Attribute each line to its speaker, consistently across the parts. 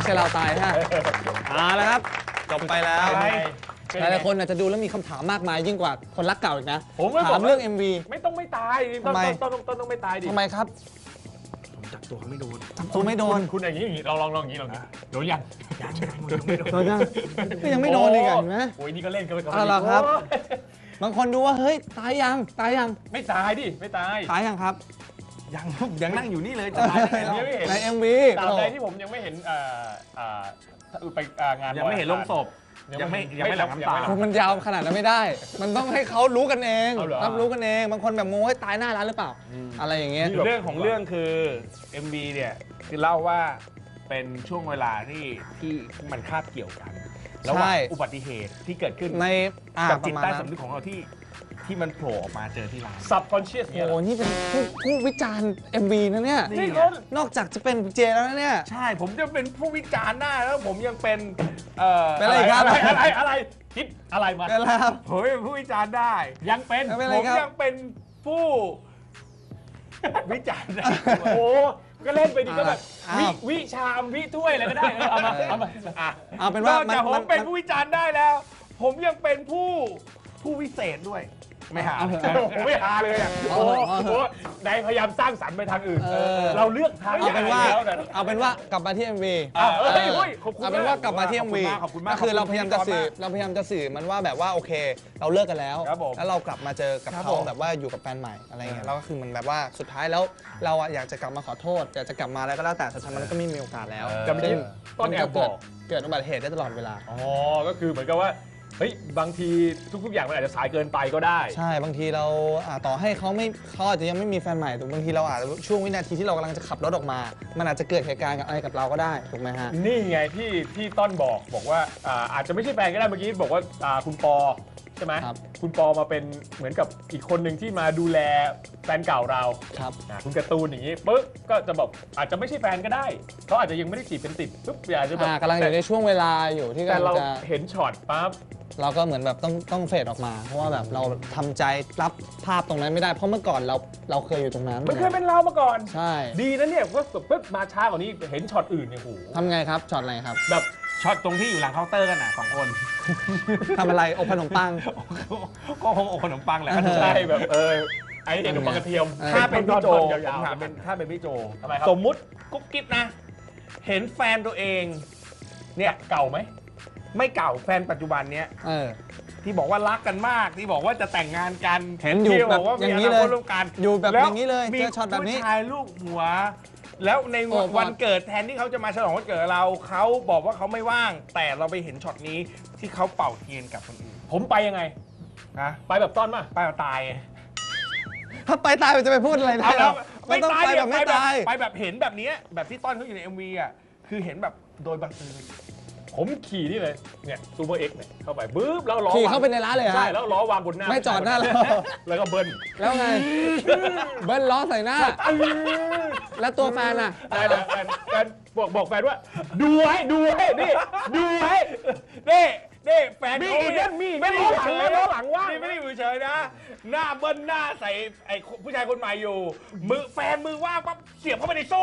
Speaker 1: ช่เราตายฮะแล้วครับจบไปแล้ว หลายๆคนอาจจะดูแล้วมีคำถามมากมายยิ่งกว่าคนรักเก่าอีกนะถามเรื่อง MV
Speaker 2: ไม่ต้องไม่ตายต้นต้องไม่ตายดิ
Speaker 1: ทำไมครับ
Speaker 3: ผมจับตัวเขาไม่โดน
Speaker 1: ตัวไม่โดน
Speaker 2: คุณอย่างนี้ลองอย่างนี้โดนยัง
Speaker 3: ยังไม่โดน
Speaker 1: ก็ยังไม่โดนอีกเห็นไหม
Speaker 2: โอ้ยนี่ก็เล่นกันไปก่อน
Speaker 1: เอาล่ะครับ บางคนดูว่าเฮ้ยตายยัง
Speaker 2: ไม่ตายดิไม่ตาย
Speaker 1: ตายยังครับ
Speaker 3: ยังนั่งอยู่นี่เลย
Speaker 2: ตายได้ไงไม่เห็น
Speaker 1: ใน MV
Speaker 2: ตามใดที่ผมยังไม่เห็นไปงาน
Speaker 3: ยังไม่เห็นลงศพยังไม่หลั่งน้ำตา
Speaker 1: มันยาวขนาดนั้นไม่ได้ มันต้องให้เขารู้กันเองรับรู้กันเอง บางคนแบบโม้ให้ตายหน้าร้านหรือเปล่า อะไรอย่างเงี้ย
Speaker 3: เรื่องของเรื่องคือ MV เนี่ยคือเล่าว่าเป็นช่วงเวลาที่มันคาบเกี่ยวกันแล้วว่าอุบัติเหตุที่เกิดขึ้น
Speaker 1: ใน
Speaker 3: กับ
Speaker 1: ป
Speaker 3: จิต
Speaker 1: ระมาณ
Speaker 3: ใต้
Speaker 1: นั้น
Speaker 3: สำนึกของเราที่มันโผล่ออกมาเจอที่ร้าน
Speaker 2: subconscious เนี่ย
Speaker 1: โอ้นี่เป็นผู้วิจารณ์ MV นะเนี่ย
Speaker 3: นี่ไง
Speaker 1: นอกจากจะเป็นเจแล้วนะเนี่ย
Speaker 3: ใช่ผมจะเป็นผู้วิจารณ์ได้แล้วผมยังเป็น
Speaker 1: เป็นอะไรครับ
Speaker 2: อะไรคิดอะไรมา
Speaker 1: เป็นไรครับ
Speaker 3: ผมเป็นผู้วิจารณ์ได้
Speaker 2: ยังเป็น
Speaker 1: ไม่เป็นไร
Speaker 3: ผม
Speaker 1: ครับ
Speaker 3: ยังเป็นผู้วิจารณ์ได้
Speaker 2: โอ้โหก็เล่นไปดีก็แบบ
Speaker 1: อ้าว
Speaker 2: วิชามวิถ้วยอะไรก็ได้เอามา
Speaker 3: อ่ะ
Speaker 1: เอาเป็นว่าน
Speaker 3: อกจากผมเป็นผู้วิจารณ์ได้แล้ว ผมยังเป็นผู้วิเศษด้วย ไม่หา
Speaker 2: ผมไม่หาเลยอ่ะโอ้โหนายพยายามสร้างสรรค์ไปทางอื่น เราเลือกทาง
Speaker 1: เอาเป็นว่า
Speaker 2: แล้วนะ
Speaker 1: เอาเป็นว่ากลับมาที่ MV
Speaker 2: ขอบคุณ
Speaker 1: เอาเป็นว่ากลับมาที่ MV
Speaker 3: ขอบคุณมาก
Speaker 1: ก็คือเราพยายามจะสื่อมันว่าแบบว่าโอเค เราเลิกกันแล้ว
Speaker 3: ครับผม
Speaker 1: แล้วเรากลับมาเจอกับ
Speaker 3: ครับ
Speaker 1: เขา
Speaker 3: ผม
Speaker 1: แบบว่าอยู่กับแฟนใหม่อะไรเงี้ยแล้วก็คือมันแบบว่าสุดท้ายแล้วเราอะอยากจะกลับมาขอโทษอยากจะกลับมาแล้วก็แล้วแต่สุดท้ายมันก็ไม่มีโอกาสแล้ว
Speaker 2: แต่เมื่อกี้ต้นแอบบอก
Speaker 1: เกิดอุบัติเหตุได้ตลอดเวลา
Speaker 2: อ๋อก็คือเหมือนกับว่าเฮ้ยบางทีทุกๆอย่างมันอาจจะสายเกินไปก็ได้
Speaker 1: ใช่บางทีเราต่อให้เขาอาจจะยังไม่มีแฟนใหม่แต่บางทีเราอาจจะช่วงวินาทีที่เรากำลังจะขับรถออกมา มันอาจจะเกิดเหตุการณ์กับอะไรกับเราก็ได้ถูกไหมฮะ
Speaker 2: นี่ไงที่ต้นบอกว่าอาจจะไม่ใช่แฟนก็ได้เมื่อกี้บอกว่าคุณปอใช่ไหม
Speaker 1: ครับ
Speaker 2: คุณปอมาเป็นเหมือนกับอีกคนหนึ่งที่มาดูแลแฟนเก่าเรา
Speaker 1: ครับ
Speaker 2: คุณการ์ตูนอย่างนี้ปุ๊บก็จะบอกอาจจะไม่ใช่แฟนก็ได้เขาอาจจะยังไม่ได้จีบเป็นติดปุ๊บอาจจะแบบ
Speaker 1: กำลังอยู่ในช่วงเวลาอยู่ที่
Speaker 2: แต่
Speaker 1: กำลั
Speaker 2: เรา
Speaker 1: งจะ
Speaker 2: เห็นช็อตปั๊บ
Speaker 1: เราก็เหมือนแบบต้องเฟดออกมา เพราะว่าแบบเราทำใจรับภาพตรงนั้นไม่ได้เพราะเมื่อก่อนเราเคยอยู่ตรงนั้น
Speaker 2: มันเคยเป็นเรามาก่อน
Speaker 1: ใช่
Speaker 2: ดีนะเนี่ยก็ปุ๊บมาช้ากว่านี้เห็นช็อตอื่นเนี่ยโห
Speaker 1: ทำไงครับช็อตอะไรครับ
Speaker 2: แบบ
Speaker 3: ช็อตตรงที่อยู่หลังเคาน์เตอร์กันน่ะ2 คน
Speaker 1: ทำอะไรอบขนมปัง
Speaker 3: ก็คงอกขนมปังแหละ
Speaker 2: ใช่แบบไอ้เห็นขนมปังกระเทียม
Speaker 3: ถ้าเป็นพี่โจ
Speaker 2: ย
Speaker 3: ผ
Speaker 2: าม ว
Speaker 3: ถามเป็นถ้าเป็นพี่โจ
Speaker 2: ทำไมครับ
Speaker 3: สมมุติกุ๊บกิ๊บนะ เห็นแฟนตัวเองเนี่ย
Speaker 2: เก่าไหม
Speaker 3: ไม่เก่าแฟนปัจจุบันเนี้ย ที่บอกว่ารักกันมากที่บอกว่าจะแต่งงานกัน
Speaker 1: เห็นอยู่
Speaker 3: ที่
Speaker 1: แบบ
Speaker 3: ว่า
Speaker 1: อย่างนี้
Speaker 3: มี
Speaker 1: เลย
Speaker 3: คตร่วมกัน
Speaker 1: อยู่แบบ
Speaker 3: ล้ว
Speaker 1: อย่างนี้เลย
Speaker 3: มี
Speaker 1: เจอช็อตแบบนี้
Speaker 3: ผู้ชายลูกหัว แล้วใน
Speaker 1: โอ้
Speaker 3: วันเกิดแทนที่เขาจะมาฉลองวันเกิดเราเขาบอกว่าเขาไม่ว่าง แต่เราไปเห็นช็อตนี้ที่เขาเป่าเทียนกับคนอื่น
Speaker 2: ผมไปยังไง
Speaker 3: นะ
Speaker 2: ไปแบบต้อนป่ะ
Speaker 3: ป้าตาย
Speaker 1: ถ้าไปตายมันจะไปพูดอะไรได้
Speaker 3: เอาแล้ว
Speaker 1: ไม่ต้องไปแบบไม่ตาย
Speaker 3: ไปแบบเห็นแบบเนี้ยแบบที่ต้อนเขาอยู่ใน MV อ่ะคือเห็นแบบโดยบังเอิญ
Speaker 2: ผมขี่นี่เลยเนี่ยซูเปอร์เอ็กซ์เนี่ยเข้าไปบึ๊บแล้วล้อ
Speaker 1: ขี่เข้าไปในร้านเลยเหรอ
Speaker 2: ใช่แล้วล้อวางบนหน้า
Speaker 1: ไม่จอดหน้าเรา
Speaker 2: แล้วก็เบิ้ล
Speaker 1: แล้วไงเบิ้ลล้อใส่หน้า แล้วตัวแฟนอ่ะ
Speaker 2: แฟนบอกแฟนว่า ดูไว้นี่ดูไว้นี่แฟน
Speaker 3: มี
Speaker 2: เขา
Speaker 3: อีกนั่นมี
Speaker 2: ไม่ล้อหลังเลยล้อหลังว่าง
Speaker 3: นี่ไม่ได้อยู่เฉยนะ หน้าเบิ้ลหน้าใส่ไอ้ผู้ชายคนใหม่อยู่แฟนมือว่างปั๊บเสียบเข้าไปในโซ่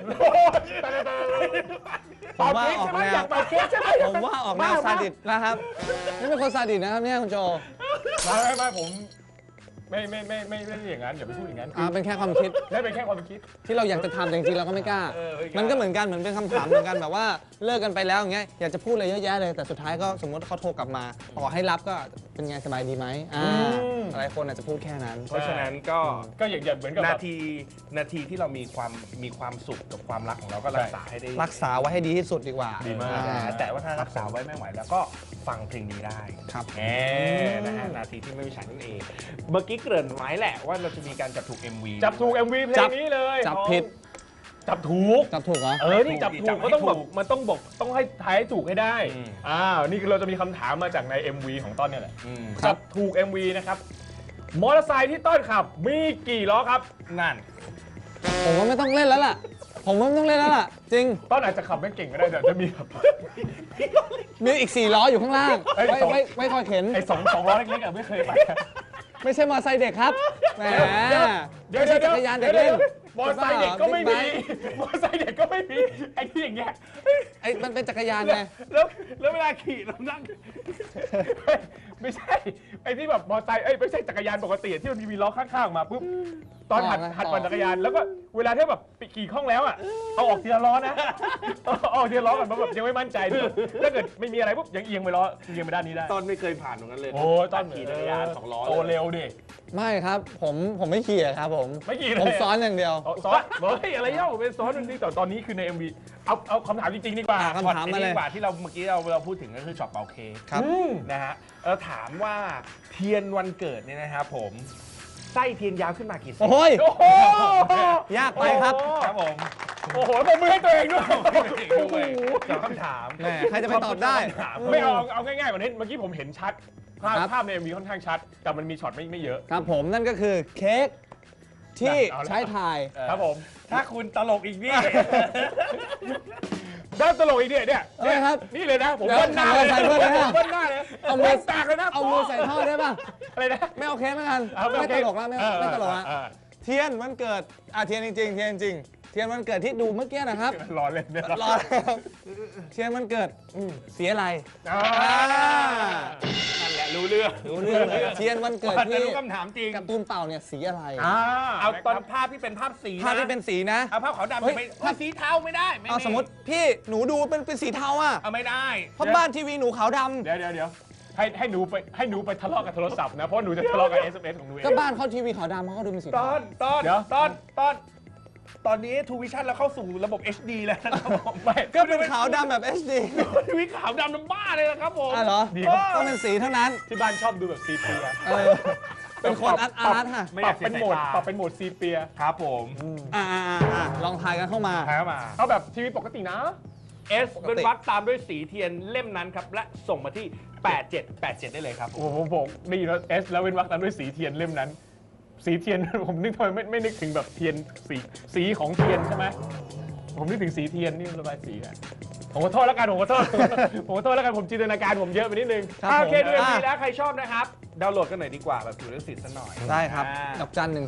Speaker 1: ผมว่าออกแนว
Speaker 2: อยากมาเคสใช่ไหม
Speaker 1: ผมว่าออกแนวซาดิสนะครับนี่เป็นคนซาดิสนะครับเนี่ยคุณโจ
Speaker 2: ไม่ผมไม่ได้อย่างนั้นอย่าไปพูดอย่างนั้น
Speaker 1: เป็นแค่ความคิด
Speaker 2: นั่นเป็นแค่ความคิด
Speaker 1: ที่เราอยากจะทำแต่จริงๆเราก็ไม่กล้า มันก็เหมือนกันเหมือนเป็นคำถามเหมือนกันแบบว่าเลิกกันไปแล้วอย่างเงี้ยอยากจะพูดอะไรเยอะแยะเลยแต่สุดท้ายก็สมมติเขาโทรกลับมาต่อให้รับก็เป็นไงสบายดีไหมหลายคนอาจจะพูดแค่นั้น
Speaker 3: เพราะฉะนั้นก็
Speaker 2: อย่างเหมือนกับ
Speaker 3: นาทีที่เรามีความสุขกับความรักของเราก็รักษาให้ได้
Speaker 1: รักษาไว้ให้ดีที่สุดดีกว่า
Speaker 2: ดีมาก
Speaker 3: แต่ว่าถ้ารักษาไว้ไม่ไหวแล้วก็ฟังเพลงนี้ได้
Speaker 1: ครับ
Speaker 3: นะฮะนาทีที่ไม่มีฉันนั่นเอง เมื่อกี้เกริ่นไว้แหละว่าเราจะมีการจับถูก MV
Speaker 2: จับถูก MV เพลงนี้เลย
Speaker 1: จับผิด
Speaker 2: จับถูก
Speaker 1: จับถูกเหรอ
Speaker 2: นี่จับถูกเขาต้องแบบมันต้องให้ทายให้ถูกให้ได้นี่คือเราจะมีคำถามมาจากใน MV ของต้นเนี่ยแหละ
Speaker 1: ครับ
Speaker 2: จับถูก MV นะครับมอเตอร์ไซค์ที่ต้นขับมีกี่ล้อครับนั่น
Speaker 1: ผมว่าไม่ต้องเล่นแล้วล่ะผมว่าไม่ต้องเล่นแล้วล่ะจริง
Speaker 2: ต้นอาจจะขับไม่เก่งก็ได้แต่จะมีแบบ
Speaker 1: มีอีก4ล้ออยู่ข้างล่าง
Speaker 2: เอ้ย
Speaker 1: ไม่คอยเข็น
Speaker 2: ไอ้สองล้อเล็กๆอะไม่เคยไป
Speaker 1: ไม่ใช่มอเตอร์ไซค์เด็กครับแหม
Speaker 2: เดี๋ยว
Speaker 1: ไม่ใช่จักรยานเด็กเล่น
Speaker 2: มอเตอร์ไซค์เด็กก็ไม่มี
Speaker 1: บิ๊กไบค์
Speaker 2: มอเตอร์ไซค์เด็กก็ไม่มีไอ้ที่อย่างเงี้ย
Speaker 1: ไอ้มันเป็นจักรยานไง
Speaker 3: แล้วเวลาขี่เรานั่ง
Speaker 2: ไม่ใช่ไอ้ที่แบบมอเตอร์ไซค์ไม่ใช่จักรยานปกติที่มันมีล้อข้างๆมาปุ๊บตอนหัดปั่นจักรยานแล้วก็เวลาที่แบบขี่คล่องแล้วอ่ะเอาออกทีละล้อนะเอาออกทีละล้อก่อนเพราะแบบยังไม่มั่นใจถ้าเกิดไม่มีอะไรปุ๊บยังเอียงไปล้อเอียงไปด้านนี้ได้
Speaker 3: ตอนไม่เคยผ่านตรงนั้นเลย
Speaker 2: โอ้ตอน
Speaker 3: ขี่จักรยาน2 ล้อ
Speaker 2: โตเร็วดิ
Speaker 1: ไม่ครับผมไม่ขี่อะครับผม
Speaker 2: ไม่ขี่เลย
Speaker 1: ผมซ้อนอย่างเดียว
Speaker 2: ซ้อนเฮ้ยอะไรเล่าเป็นซ้อนนึงแต่ตอนนี้คือใน MV เอาคำถามจริงๆดีกว่า
Speaker 1: คำถามมาเลย
Speaker 3: ดีกว่าที่เราเมื่อกี้เราพูดถึงก็คือช็อตเป่าเค้ก
Speaker 1: ครับ
Speaker 3: นะฮะเราถามว่าเทียนวันเกิดเนี่ยนะครับผมไส้เทียนยาวขึ้นมากี่เซน
Speaker 1: โอ้ย
Speaker 2: โอ้โห
Speaker 1: ยากไปครับ
Speaker 3: ครับผม
Speaker 2: โอ้โหผมมือให้ตัวเองด้วย
Speaker 3: ด้วยตอบคำถาม
Speaker 1: แหมใครจะไปตอบได้
Speaker 2: ไม่เอาง่ายๆกว่านี้เมื่อกี้ผมเห็นชัด
Speaker 1: ครับ
Speaker 2: ภาพใน MV ค่อนข้างชัด แต่มันมีช็อตไม่เยอะ
Speaker 1: ครับผมนั่นก็คือเค้กที่
Speaker 2: เอาละ
Speaker 1: ใช้ถ่าย
Speaker 2: ครับผม
Speaker 3: ถ้าคุณตลกอีกนี่
Speaker 2: ด้านตลกอีกเนี่ย
Speaker 1: เอ้ยครับ
Speaker 2: นี่เลยนะผม
Speaker 1: เดี๋ยว
Speaker 2: เบิ้ลหน้าเลย
Speaker 1: ใส่เบิ้ลเลยนะ
Speaker 2: เบิ้ลหน้าเลย
Speaker 1: เอามือ
Speaker 2: แตกเลยนะ
Speaker 1: เอามือใส่ท่อได้ป่ะ
Speaker 2: อะไรนะ
Speaker 1: ไม่เอาเค้กเหมือนกัน
Speaker 2: เอา
Speaker 1: ไม่ตลกแล้วไม่ตลกแล้ว
Speaker 2: เออ
Speaker 1: เทียนวันเกิดเทียนจริงๆเทียนจริงเทียนวันเกิดที่ดูเมื่อกี้นะครับ
Speaker 2: รอเล่นเนี่ย
Speaker 1: รอเทียนวันเกิดสีอะไร
Speaker 2: อ่า
Speaker 3: นั่นแหละรู้เรื่อง
Speaker 1: รู้เรื่องเลยเทียนวันเกิด
Speaker 3: แต่
Speaker 1: ที่
Speaker 3: รู้คำถามจริง
Speaker 1: การ์ตูนเต่าเนี่ยสีอะไร
Speaker 3: เอาตอนภาพที่เป็นภาพสีนะ
Speaker 1: ภาพที่เป็นสีนะ
Speaker 3: เอาภาพขาวดำ
Speaker 1: เฮ้ย
Speaker 3: ไม่ภาพสีเทาไม่ได้ไ
Speaker 1: เอาสมมติพี่หนูดูเป็นสีเทาอ่ะ
Speaker 3: เอาไม่ได้
Speaker 1: เพราะบ้านทีวีหนูขาวดำ
Speaker 2: เดี๋ยวให้หนูไปทะเลาะกับโทรศัพท์นะเพราะหนูจะทะเลาะกับ SMS ของหนูเอง
Speaker 1: ก็บ้านเขาทีวีขาวดำเขาก็ดูเป็นสี
Speaker 3: ต
Speaker 1: เทา
Speaker 3: อน
Speaker 2: เดี๋ยว
Speaker 3: ตอนนี้ทูวิชั่นเราเข้าสู่ระบบ HD แล้วนะครับผม
Speaker 2: ไม่
Speaker 1: ก็เป็นขาวดำแบบ HD
Speaker 3: ทีวีขาวดำน้ำบ้าเลยนะครับผม
Speaker 1: อ่ะเหรอ
Speaker 2: ดีครับ
Speaker 1: ต้องเป็นสีเท่านั้น
Speaker 2: ที่บ้านชอบดูแบบซีเปีย
Speaker 1: เป็นคนอาร์ตค่ะ
Speaker 3: ไม่
Speaker 2: ป
Speaker 3: อ
Speaker 2: รั
Speaker 3: ยา
Speaker 2: บ
Speaker 3: ก
Speaker 2: เป็นโหมดปรับเป็นโหมดซีเปีย
Speaker 3: ครับผม
Speaker 1: ลองทายกันเข้ามา
Speaker 3: ถ่ายเข้ามา
Speaker 2: เอาแบบทีวีปกตินะ
Speaker 3: S เป็นวัดตามด้วยสีเทียนเล่มนั้นครับ และส่งมาที่ 8787 ได้เลยครับ
Speaker 2: โอ้โหผมได้ยินว่าเอสแล้วเว้นวรรคตามด้วยสีเทียนเล่มนั้น สีเทียน ผมนึกทำไมไม่นึกถึงแบบเทียนสีของเทียนใช่ไหมผมนึกถึงสีเทียนนี่ระบายสีอะผมขอโทษแล้วกันผมขอโทษ ผมขอโทษแล้วกันผมจินตนาการผมเยอะไปนิดนึง
Speaker 1: ครับ
Speaker 3: โอเค
Speaker 1: ผม
Speaker 3: ดู MV แล้วใครชอบนะครับ ดาวน์โหลดกันหน่อยดีกว่าแบบถือเรื่องสิทธิ์ซะหน่อย
Speaker 1: ได้ครับ
Speaker 3: อ่า
Speaker 1: ดอกจัน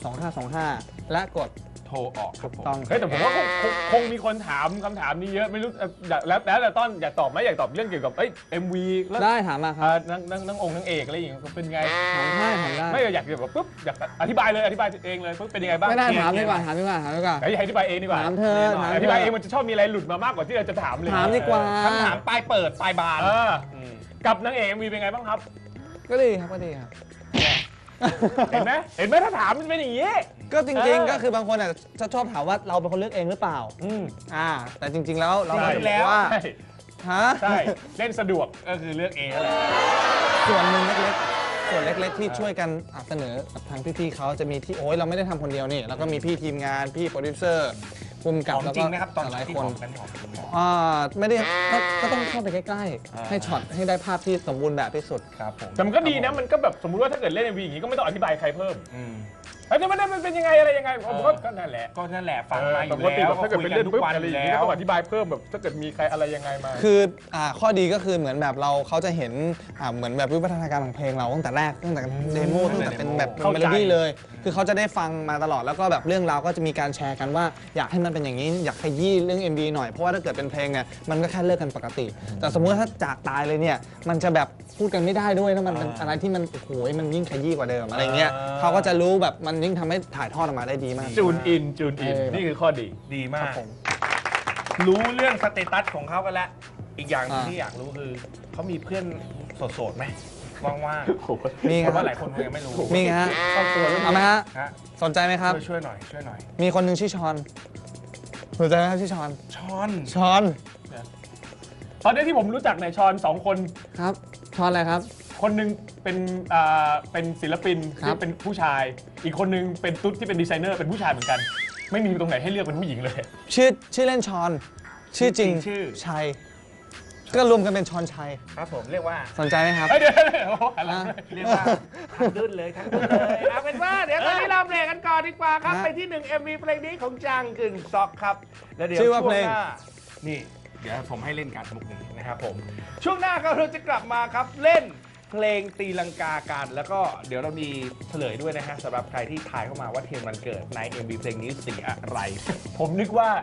Speaker 1: 1232525 และกด
Speaker 3: โทรออกครับผม
Speaker 1: ต้อง
Speaker 2: เฮ้ยแต่ผมว่าคงมีคนถามคำถามนี้เยอะไม่รู้แล้วแต่ต้นอยากตอบไหมอยากตอบเรื่องเกี่ยวกับMV แล้ว
Speaker 1: ได้ถามมาครับ
Speaker 2: นางองค์นางเอกอะไรอย่างเงี้ยเป็นไง
Speaker 1: ถามได้ถามได้
Speaker 2: ไม่อยากแบบปุ๊บอยากอธิบายเลยอธิบายเองเลยปุ๊บเป็นยังไงบ้าง
Speaker 1: ไม่ได้ถามดีกว่าถามดีกว่าถามดีกว่า
Speaker 2: ให้อธิบายเองดีกว่า
Speaker 1: ถามเธอ
Speaker 3: แน่นอน
Speaker 1: ถาม
Speaker 2: อธิบายเองมันจะชอบมีอะไรหลุดมามากกว่าที่เราจะถามเลย
Speaker 1: ถามดีกว่า
Speaker 3: คำถามปลายเปิดปลายบาน
Speaker 2: กับนางเอกMVเป็นไงบ้างครับ
Speaker 1: ก็ดีครับก็ดีครับ
Speaker 2: เห็นไหมถ้าถามมันเป็นอย่างนี้
Speaker 1: ก็จริงๆก็คือบางคนอ่ะจะชอบถามว่าเราเป็นคนเลือกเองหรือเปล่าแต่จริง ๆ แล้วเรา
Speaker 2: ใช่
Speaker 1: บอกแล้วว่า
Speaker 2: ใช่
Speaker 1: ฮะ
Speaker 2: ใช่เล่นสะดวก
Speaker 3: ก็คือเลือกเองนั่นแหละ
Speaker 1: ส่วนหนึ่งเล็กๆส่วนเล็ก ๆ ที่ช่วยกันเสนอกับทางพี่ๆเขาจะมีที่โอ้ยเราไม่ได้ทำคนเดียวนี่แล้วก็มีพี่ทีมงานพี่โปรดิวเซอร์ภูมิกับ
Speaker 3: ของ
Speaker 1: แล้ว
Speaker 3: จริ
Speaker 1: ก็
Speaker 3: งนะครับตอน
Speaker 1: หลาย
Speaker 3: ที่
Speaker 1: คน
Speaker 3: บอกกันของจริง
Speaker 1: ไม่ได้ก็ต้องเข้าไปใกล้ๆให้ช็อตให้ได้ภาพที่สมบูรณ์แบบที่สุด
Speaker 3: ครับผม
Speaker 2: แต่มันก็ดีนะมันก็แบบสมมุติว่าถ้าเกิดเล่น MV อย่างนี้ก็ไม่ต้องอธิบายใครเพิ่มแล้วมันเป็นยังไงอะไรยังไงผมก็นั่นแหละ
Speaker 3: ก็นั่นแหละฟังมาอ
Speaker 2: ป
Speaker 3: ยู่
Speaker 2: กติ
Speaker 3: แล้
Speaker 2: แบ
Speaker 3: ว
Speaker 2: บถ้าเกิดเป็นเรื่อง
Speaker 3: ทุ
Speaker 2: ปุ๊
Speaker 3: ก
Speaker 2: บ
Speaker 3: วัน
Speaker 2: อะไร
Speaker 3: อ
Speaker 2: อย่าง
Speaker 3: ยู่
Speaker 2: นี้
Speaker 3: แล้
Speaker 2: ก็
Speaker 3: ว
Speaker 2: ต้องอธิบายเพิ่มแบบถ้าเกิดมีใครอะไรยังไงมา
Speaker 1: คือข้อดีก็คือเหมือนแบบเขาจะเห็นเหมือนแบบวิวัฒนาการของเพลงเราตั้งแต่แรกตั้งแต่เดโมตั้งแต่เป็นแบบ
Speaker 2: เข้า
Speaker 1: เม
Speaker 2: ใจ
Speaker 1: โลดี้เลย คือเขาจะได้ฟังมาตลอดแล้วก็แบบเรื่องราวก็จะมีการแชร์กันว่าอยากให้มันเป็นอย่างนี้อยากขยี้เรื่อง MV หน่อยเพราะว่าถ้าเกิดเป็นเพลงเนี่ยมันก็แค่เลิกกันปกติ แต่สมมุติถ้าจากตายเลยเนี่ยมันจะแบบพูดกันไม่ได้ด้วยแล้วมันเป็นอะไรที่มันโอ้โหมันยิ่งขยี้กว่าเดิมอะไรเงี้ยเขาก็จะรู้แบบมันยิ่งทำให้ถ่ายทอดออกมาได้ดีมาก
Speaker 2: จูนอินนี่คือข้อดี
Speaker 3: ดีมา
Speaker 1: ครั
Speaker 3: ก
Speaker 1: บผม
Speaker 3: รู้เรื่องสเตตัสของเขากันแล้ว อีกอย่างหนึ่ง
Speaker 1: อ่า
Speaker 3: ที่อยากรู้คือเขามีเพื่อนโสดๆไหมว่าง
Speaker 1: มี
Speaker 3: ๆ
Speaker 1: ค
Speaker 3: เพ
Speaker 1: รับ
Speaker 3: ราะว่าหลายคนคงยังไม่รู้
Speaker 1: มีฮะ
Speaker 2: ครอบครัว
Speaker 1: เอาไหมฮะ
Speaker 3: ฮะ
Speaker 1: สนใจไหมครับ
Speaker 3: ช่วยหน่อยช่วยหน่อย
Speaker 1: มีคนหนึ่งชื่อชอนสนใจไหมครับชื่อชอน
Speaker 3: ช้อน
Speaker 1: ชอน
Speaker 2: ตอนนี้ที่ผมรู้จักในยชอน2 คน
Speaker 1: ครับชอนอะไรครับ
Speaker 2: คนหนึ่งเป็นศิลปิน
Speaker 1: ครับ
Speaker 2: ที่เป็นผู้ชาย อีกคนหนึงเป็นตุ๊ดที่เป็นดีไซเนอร์เป็นผู้ชายเหมือนกัน ไม่มีตรงไหนให้เลือกเป็นผู้หญิงเลย
Speaker 1: ชื่อเล่นชอน ชื่อจริง
Speaker 3: ชื่อ
Speaker 1: ชัยก็รวมกันเป็นชอนชัย
Speaker 3: ครับผมเรียกว่า
Speaker 1: สนใจไหมครับ
Speaker 2: เฮ้ยเดี๋ยวโอ้โหอะไร
Speaker 1: อ่ะ
Speaker 3: เรียกว่าทั้งดุนเลยทั้งดุนเลยเอาเป็นว่าเดี๋ยวตอนนี้เราเบรกกันก่อนดีกว่าครับ
Speaker 1: ฮะ
Speaker 3: ไปที่1 MV เพลงนี้ของจังกึ่งซอกครับแล้วเดี๋ยว
Speaker 1: ชื่อว่า
Speaker 3: ช่วง
Speaker 1: เพลง
Speaker 3: หน้านี่เดี๋ยวผมให้เล่นการมุกนี้นะครับผมช่วงหน้าก็เราจะกลับมาครับเล่นเพลงตีลังกากันแล้วก็เดี๋ยวเรามีเฉลยด้วยนะฮะสำหรับใครที่ทายเข้ามาว่าเทียนวันเกิดใน MV เพลงนี้สีอะไร
Speaker 2: ผมนึกว่า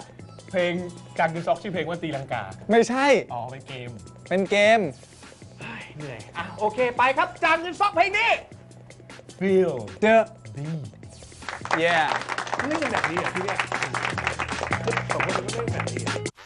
Speaker 2: เพลงจางกึนซอกชื่อเพลงว่าตีลังกา
Speaker 1: ไม่ใช่
Speaker 2: อ๋อเป็นเกม
Speaker 1: เป็นเกม
Speaker 3: เหนื่อยอ่ะโอเคไปครับจางเงินซอกเพลงนี้ Feel
Speaker 1: The
Speaker 3: D
Speaker 1: Yeah
Speaker 3: เล่นกันแบบนี้เหรอพี่เนี่ยสองคนก็เล่นแบบนี้